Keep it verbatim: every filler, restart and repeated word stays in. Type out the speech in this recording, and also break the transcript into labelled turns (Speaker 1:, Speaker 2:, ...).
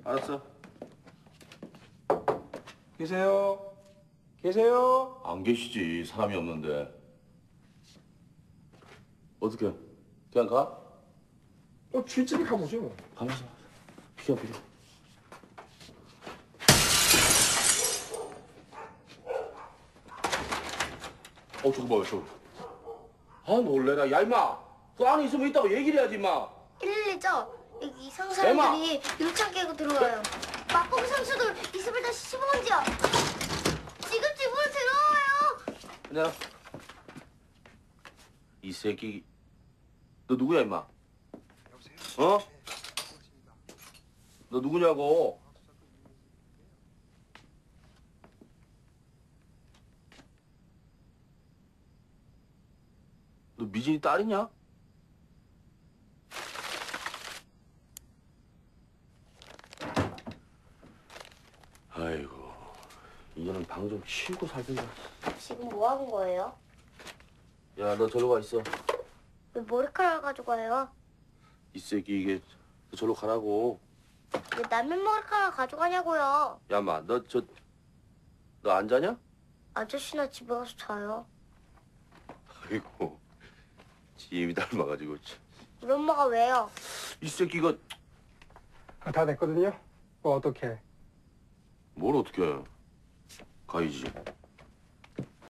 Speaker 1: 알았어.
Speaker 2: 계세요? 계세요?
Speaker 1: 안 계시지. 사람이 없는데. 어떻게? 그냥 가?
Speaker 2: 어, 쥐집이 가보죠 뭐.
Speaker 1: 가면서. 비켜, 비켜. 어, 저거 봐요, 저거. 아, 놀래라. 야, 임마. 그 안에 있으면 있다고 얘기를 해야지, 임마.
Speaker 3: 일일이죠? 여기 이상 사람들이 유리창 깨고 들어와요. 맛보기 선수들 이십을 다시 십오번지요. 지금 집으로 들어와요.
Speaker 1: 그냥. 이 새끼. 너 누구야, 임마?
Speaker 2: 여보세요?
Speaker 1: 어?
Speaker 2: 네, 고맙습니다.
Speaker 1: 너 누구냐고? 너 미진이 딸이냐? 아이고, 이제는 방 좀 치우고 살든가.
Speaker 3: 지금 뭐 하는 거예요?
Speaker 1: 야, 너 저리 가 있어.
Speaker 3: 왜 머리카락을 가져가요?
Speaker 1: 이 새끼 이게 너 저리로 가라고.
Speaker 3: 왜 남의 머리카락 가져가냐고요?
Speaker 1: 야, 마, 너 저 너 안 자냐?
Speaker 3: 아저씨나 집에 가서 자요.
Speaker 1: 아이고, 지임이 닮아가지고. 참.
Speaker 3: 우리 엄마가 왜요?
Speaker 1: 이 새끼 이거
Speaker 2: 아, 다 됐거든요. 뭐 어떻게?
Speaker 1: 뭘 어떻게 해? 가야지.